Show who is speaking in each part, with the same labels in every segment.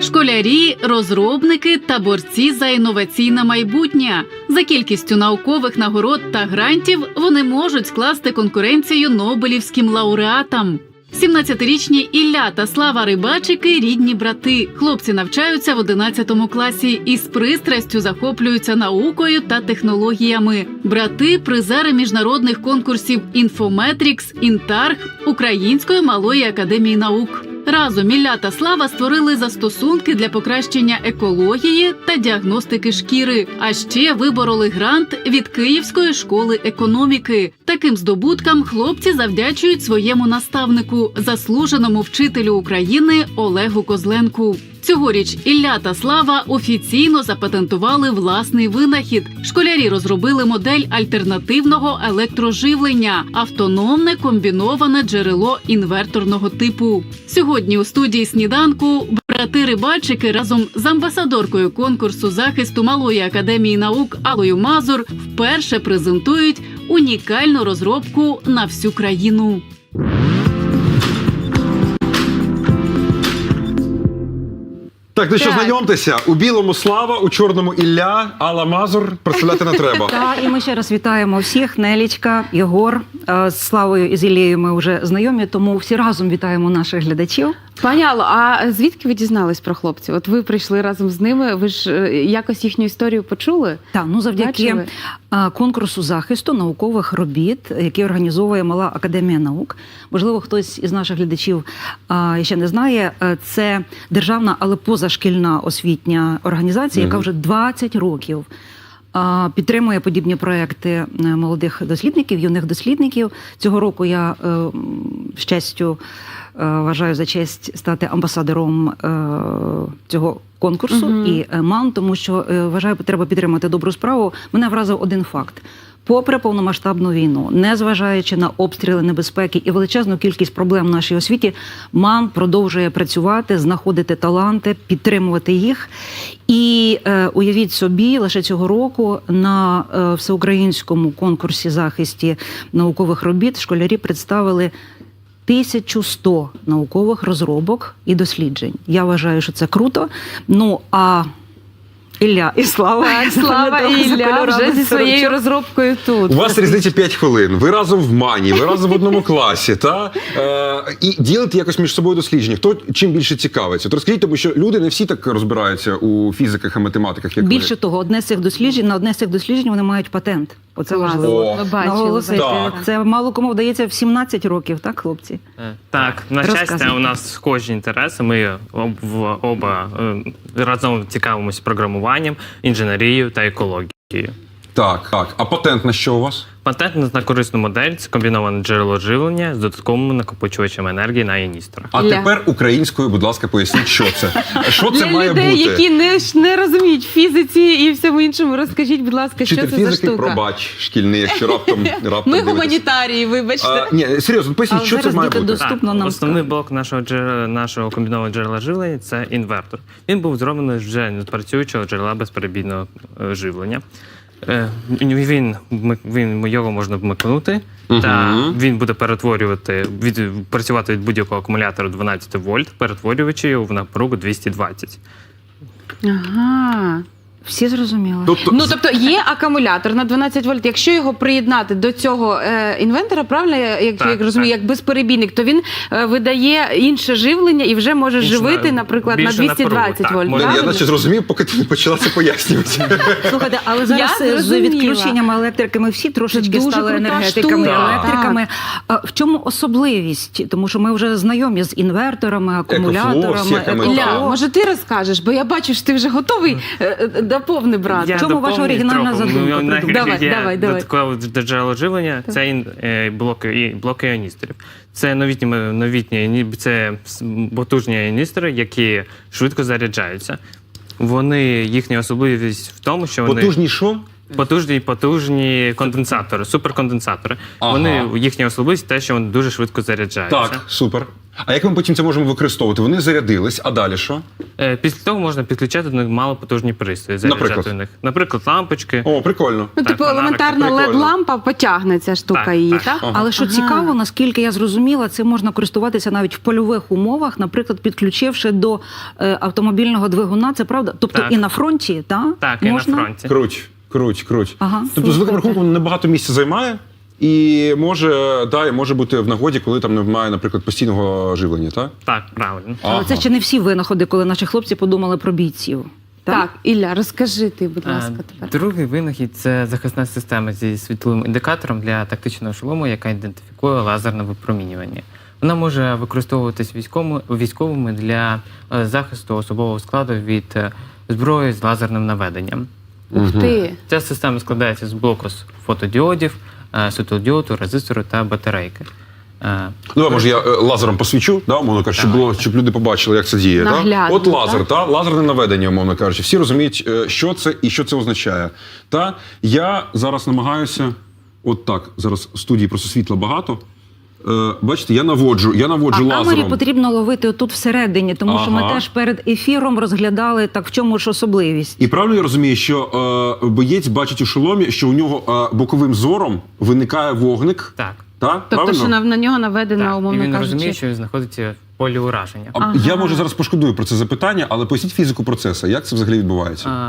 Speaker 1: Школярі, розробники та борці за інноваційне майбутнє. За кількістю наукових нагород та грантів вони можуть скласти конкуренцію нобелівським лауреатам. 17-річні Ілля та Слава Рибачики – рідні брати. Хлопці навчаються в 11 класі і з пристрастю захоплюються наукою та технологіями. Брати – призери міжнародних конкурсів «Інфометрікс», «Інтарг», Української малої академії наук. Разом Ілля та Слава створили застосунки для покращення екології та діагностики шкіри. А ще вибороли грант від Київської школи економіки. Таким здобуткам хлопці завдячують своєму наставнику, заслуженому вчителю України Олегу Козленку. Цьогоріч Ілля та Слава офіційно запатентували власний винахід. Школярі розробили модель альтернативного електроживлення – автономне комбіноване джерело інверторного типу. Сьогодні у студії «Сніданку» брати-рибачики разом з амбасадоркою конкурсу захисту Малої академії наук Аллою Мазур вперше презентують унікальну розробку на всю країну.
Speaker 2: Так, ну що, знайомтеся. У білому Слава, у чорному Ілля, Алла Мазур. Представляти не треба.
Speaker 3: Так, і ми ще раз вітаємо всіх. Нелічка, Єгор. З Славою і з Іллею ми вже знайомі, тому всі разом вітаємо наших глядачів.
Speaker 4: Пані Алло, а звідки ви дізнались про хлопців? От ви прийшли разом з ними, ви ж якось їхню історію почули?
Speaker 3: Так, ну завдяки
Speaker 4: Бачили?
Speaker 3: конкурсу захисту наукових робіт, який організовує Мала академія наук. Можливо, хтось із наших глядачів ще не знає. Це державна, але позашкільна освітня організація, яка вже 20 років підтримує подібні проекти молодих дослідників, юних дослідників. Цього року я вважаю за честь стати амбасадором цього конкурсу і МАН, тому що вважаю, треба підтримати добру справу. Мене вразив один факт. Попри повномасштабну війну, незважаючи на обстріли, небезпеки і величезну кількість проблем в нашій освіті, МАН продовжує працювати, знаходити таланти, підтримувати їх. І уявіть собі, лише цього року на всеукраїнському конкурсі захисті наукових робіт школярі представили 1100 наукових розробок і досліджень. Я вважаю, що це круто. Ну, а Ілля і Слава.
Speaker 4: Так, Слава і Ілля вже зі своєю розробкою тут.
Speaker 2: У вас різниця 5 хвилин. Ви разом в МАНі, ви разом в одному класі. І ділите якось між собою дослідження. Хто чим більше цікавиться? От розкажіть, тому що люди не всі так розбираються у фізиках і математиках, як
Speaker 3: Більше
Speaker 2: ви.
Speaker 3: того, на одне з цих досліджень вони мають патент. Оце важливо
Speaker 4: Ми бачили.
Speaker 3: наголосити.
Speaker 2: Так.
Speaker 3: Це мало кому вдається в 17 років, так, хлопці?
Speaker 5: Так, на щастя, у нас схожі інтереси. Ми оба разом цікавимося програмуванням, інженерією та екологією.
Speaker 2: Так, так. А патент на що у вас?
Speaker 5: Патент на корисну модель – це комбіноване джерело живлення з додатковим накопичувачем енергії на іністра.
Speaker 2: А тепер українською, будь ласка, поясніть, що це. Що це
Speaker 4: Для
Speaker 2: має
Speaker 4: людей,
Speaker 2: бути?
Speaker 4: які не розуміють фізиці і всьому іншому, розкажіть, будь ласка, що
Speaker 2: Вчитель
Speaker 4: це за
Speaker 2: фізики,
Speaker 4: штука?
Speaker 2: пробач, шкільний, якщо раптом
Speaker 4: Ми
Speaker 2: дивитесь.
Speaker 4: гуманітарії, вибачте.
Speaker 2: Ні, серйозно, поясніть,
Speaker 3: Але
Speaker 2: що це
Speaker 3: зараз
Speaker 2: має
Speaker 3: діти
Speaker 2: бути?
Speaker 3: доступно нам
Speaker 5: Основний
Speaker 3: скажуть.
Speaker 5: блок нашого комбінованого джерела живлення – це інвертор. Він був зроблений вже з працюючого джерела безперебійного живлення. Його можна вмикнути, та він буде працювати від будь-якого акумулятора 12 вольт, перетворюючи його в напругу 220.
Speaker 4: Ага.
Speaker 3: Всі зрозуміли?
Speaker 4: Ну, тобто є акумулятор на 12 вольт. Якщо його приєднати до цього інвентора, правильно, як розумію, як безперебійник, то він видає інше живлення і вже може живити, наприклад, на 220 вольт.
Speaker 2: Я
Speaker 4: правильно?
Speaker 2: наче зрозумів, поки ти не почала це пояснювати.
Speaker 3: Слухайте, але зараз
Speaker 4: Я
Speaker 3: з
Speaker 4: зрозуміла.
Speaker 3: відключенням електрики ми всі трошечки
Speaker 4: Це дуже
Speaker 3: стали
Speaker 4: крута
Speaker 3: енергетиками,
Speaker 4: штука.
Speaker 3: електриками. В чому особливість? Тому що ми вже знайомі з інверторами, акумуляторами.
Speaker 2: всякими,
Speaker 4: Ілля,
Speaker 2: так.
Speaker 4: може ти розкажеш, бо я бачу, що ти вже готовий доповни брати.
Speaker 3: В чому ваша оригінальна задумка?
Speaker 4: Давай.
Speaker 5: Додаткове джерело живлення – це блоки іоністорів. Це це потужні іоністори, які швидко заряджаються. Їхня особливість в тому, що вони…
Speaker 2: Потужні що?
Speaker 5: Потужні конденсатори, суперконденсатори.
Speaker 2: Ага.
Speaker 5: Їхня особливість те, що вони дуже швидко заряджаються.
Speaker 2: Так, супер. А як ми потім це можемо використовувати? Вони зарядились, а далі що?
Speaker 5: Після того можна підключати до них малопотужні пристрої, заряджати
Speaker 2: Наприклад?
Speaker 5: у них. Наприклад, лампочки.
Speaker 2: О, прикольно.
Speaker 4: Ну,
Speaker 5: Так,
Speaker 4: типу,
Speaker 5: фонарики,
Speaker 4: елементарна
Speaker 2: прикольно.
Speaker 4: LED-лампа потягне ця штука
Speaker 5: Так,
Speaker 4: її,
Speaker 5: так.
Speaker 4: так?
Speaker 2: Ага.
Speaker 3: Але що цікаво, наскільки я зрозуміла, це можна користуватися навіть в польових умовах, наприклад, підключивши до автомобільного двигуна. Це правда? Тобто
Speaker 5: Так.
Speaker 3: і на фронті,
Speaker 5: Так,
Speaker 3: можна?
Speaker 5: і на фронті.
Speaker 2: Круть.
Speaker 3: Ага.
Speaker 2: Тобто, з великим
Speaker 3: Слухайте.
Speaker 2: рахунком, небагато місця займає. І може бути в нагоді, коли там немає, наприклад, постійного живлення, так?
Speaker 5: Так, правильно.
Speaker 3: Але це ще не всі винаходи, коли наші хлопці подумали про бійців.
Speaker 4: Так, Ілля, розкажи ти, будь ласка, тепер.
Speaker 5: Другий винахід – це захисна система зі світловим індикатором для тактичного шолому, яка ідентифікує лазерне випромінювання. Вона може використовуватись військовими для захисту особового складу від зброї з лазерним наведенням.
Speaker 4: Ух ти.
Speaker 5: Ця система складається з блоку з фотодіодів, світлодіоду, резистору та батарейки.
Speaker 2: Ну, може, я лазером посвічу, да, умовно кажучи, щоб люди побачили, як це діє.
Speaker 4: Наглядно,
Speaker 2: От лазер,
Speaker 4: так?
Speaker 2: лазерне наведення, умовно кажучи. Всі розуміють, що це і що це означає. Я зараз намагаюся, от так, зараз в студії просто світла багато. Бачите, я наводжу
Speaker 3: А камері
Speaker 2: лазером.
Speaker 3: потрібно ловити тут всередині, тому що ми
Speaker 2: Ага.
Speaker 3: теж перед ефіром розглядали, так в чому ж особливість.
Speaker 2: І правильно я розумію, що боєць бачить у шоломі, що у нього боковим зором виникає вогник.
Speaker 5: Так.
Speaker 2: Так?
Speaker 4: Тобто,
Speaker 2: Правильно?
Speaker 4: що на нього наведено,
Speaker 5: Так. І
Speaker 4: умовно
Speaker 5: він
Speaker 4: кажучи.
Speaker 5: розуміє, що він знаходиться в полі ураження.
Speaker 2: Я, може, зараз пошкодую про це запитання, але поясніть фізику процесу. Як це взагалі відбувається?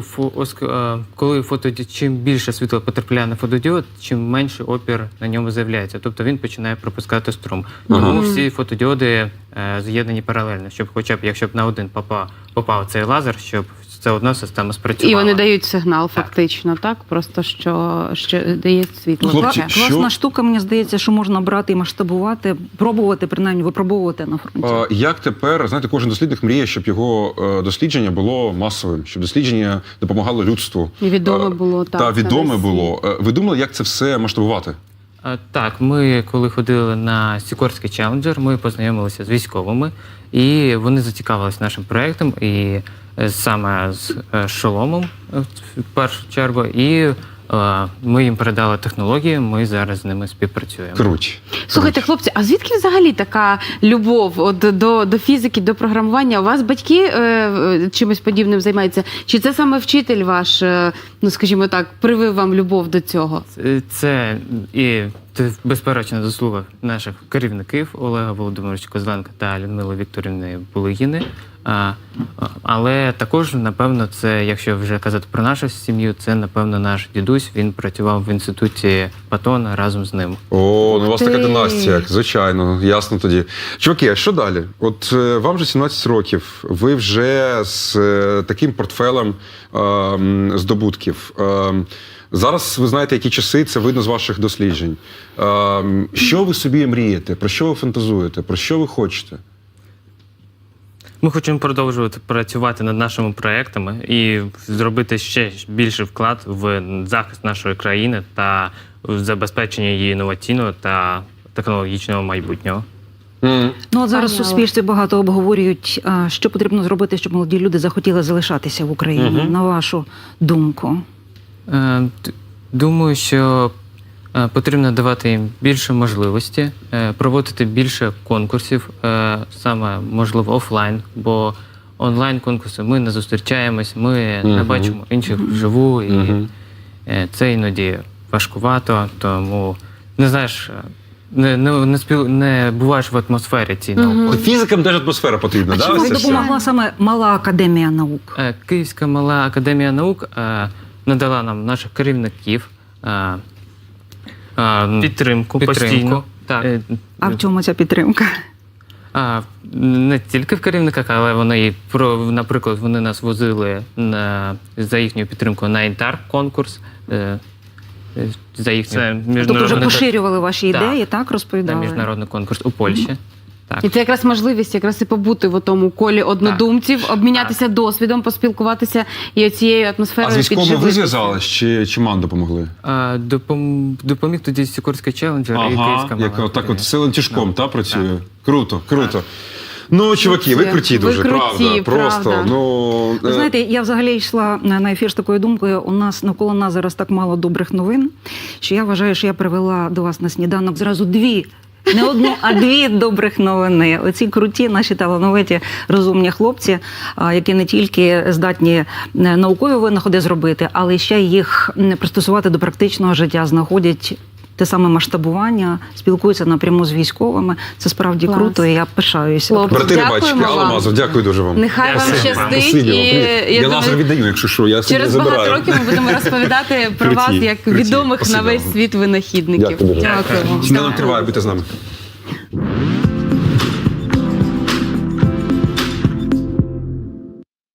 Speaker 5: Коли чим більше світла потрапляє на фотодіод, чим менший опір на ньому з'являється. Тобто він починає пропускати струм. Тому всі фотодіоди з'єднані паралельно, щоб хоча б, якщо б на один попав цей лазер, щоб це одна система спрацювала.
Speaker 4: І вони дають сигнал, фактично, так? Просто що дає світло.
Speaker 2: Хлопці,
Speaker 4: таке.
Speaker 3: Класна штука, мені здається, що можна брати і масштабувати, пробувати, принаймні випробовувати на фронті.
Speaker 2: Як тепер, знаєте, кожен дослідник мріє, щоб його дослідження було масовим, щоб дослідження допомагало людству.
Speaker 4: І відоме було, так,
Speaker 2: Та
Speaker 4: на
Speaker 2: відоме
Speaker 4: весь
Speaker 2: було. Ви думали, як це все масштабувати?
Speaker 5: Так, ми коли ходили на Сікорський челенджер, ми познайомилися з військовими, і вони зацікавилися нашим проєктом, і саме з шоломом в першу чергу. І ми їм передали технології, ми зараз з ними співпрацюємо.
Speaker 2: Круть.
Speaker 4: Слухайте, хлопці, а звідки взагалі така любов до фізики, до програмування? У вас батьки чимось подібним займаються? Чи це саме вчитель ваш, ну скажімо так, привив вам любов до цього?
Speaker 5: Це безперечна заслуга наших керівників Олега Володимировича Козленка та Людмили Вікторівни Булигіни. Але також, напевно, це, якщо вже казати про нашу сім'ю, це, напевно, наш дідусь. Він працював в інституті Патона разом з ним.
Speaker 2: О, ну у вас така
Speaker 4: ти.
Speaker 2: династія, звичайно, ясно тоді. Чуваки, а що далі? От вам вже 17 років, ви вже з таким портфелем здобутків. Зараз ви знаєте, які часи, це видно з ваших досліджень. Що ви собі мрієте? Про що ви фантазуєте? Про що ви хочете?
Speaker 5: Ми хочемо продовжувати працювати над нашими проектами і зробити ще більший вклад в захист нашої країни та в забезпечення її інноваційного та технологічного майбутнього.
Speaker 3: Ну, от зараз в
Speaker 4: Понятно.
Speaker 3: суспільстві багато обговорюють, що потрібно зробити, щоб молоді люди захотіли залишатися в Україні, на вашу думку.
Speaker 5: Думаю, що потрібно давати їм більше можливості, проводити більше конкурсів, саме, можливо, офлайн, бо онлайн-конкурси ми не зустрічаємось, ми не бачимо інших вживу, і це іноді важкувато, тому не знаєш, не буваєш в атмосфері цій науковій.
Speaker 2: Фізикам теж атмосфера потрібна,
Speaker 3: А
Speaker 2: да?
Speaker 3: чому
Speaker 2: ось це все?
Speaker 3: допомогла саме Мала академія наук?
Speaker 5: Київська мала академія наук надала нам наших керівників підтримку постійно. Так.
Speaker 3: А в чому ця підтримка?
Speaker 5: Не тільки в керівниках, але вони, наприклад, вони нас возили за їхню підтримку на Інтар-конкурс. За їхню
Speaker 3: Тобто вже поширювали ваші
Speaker 5: Так.
Speaker 3: ідеї, так,
Speaker 5: на
Speaker 3: розповідали?
Speaker 5: міжнародний конкурс у Польщі. Так.
Speaker 4: І це якраз можливість якраз і побути в тому колі однодумців, обмінятися досвідом, поспілкуватися і цією атмосферою
Speaker 2: А з військовими ви
Speaker 4: підживитися.
Speaker 2: зв'язались чи ман допомогли?
Speaker 5: Допоміг тоді Сікорський челенджер і Київська мала.
Speaker 2: як так от
Speaker 5: академія.
Speaker 2: силен тяжком, та працює. Круто, круто. Ну, чуваки, ви круті
Speaker 4: Ви
Speaker 2: дуже,
Speaker 4: круті,
Speaker 2: Просто,
Speaker 4: правда.
Speaker 2: ну...
Speaker 3: Ви знаєте, я взагалі йшла на ефір з такою думкою, у нас навколо нас зараз так мало добрих новин, що я вважаю, що я привела до вас на сніданок зразу дві Не одну, а дві добрих новини. Оці круті, наші талановиті, розумні хлопці, які не тільки здатні наукові винаходи зробити, але ще їх пристосувати до практичного життя, знаходять те саме масштабування, спілкуються напряму з військовими. Це справді
Speaker 4: Клас.
Speaker 3: круто, і я пишаюся.
Speaker 4: Хлопці,
Speaker 2: Брати
Speaker 4: дякуємо
Speaker 2: рибачки, Алла
Speaker 4: вам.
Speaker 2: Мазур, дякую дуже вам.
Speaker 4: Нехай вам
Speaker 5: Дякую.
Speaker 4: щастить.
Speaker 2: Спасибі вам.
Speaker 4: І,
Speaker 2: Я
Speaker 4: я
Speaker 2: лазер
Speaker 4: думаю,
Speaker 2: віддаю, якщо що, я собі
Speaker 4: через
Speaker 2: забираю.
Speaker 4: багато років ми будемо розповідати про
Speaker 2: Круті,
Speaker 4: вас як
Speaker 2: круті.
Speaker 4: відомих
Speaker 2: Спасибо
Speaker 4: на весь
Speaker 2: вам.
Speaker 4: світ винахідників.
Speaker 2: Дякую дуже.
Speaker 4: Дякуємо.
Speaker 2: Сніданок триває, будьте з нами.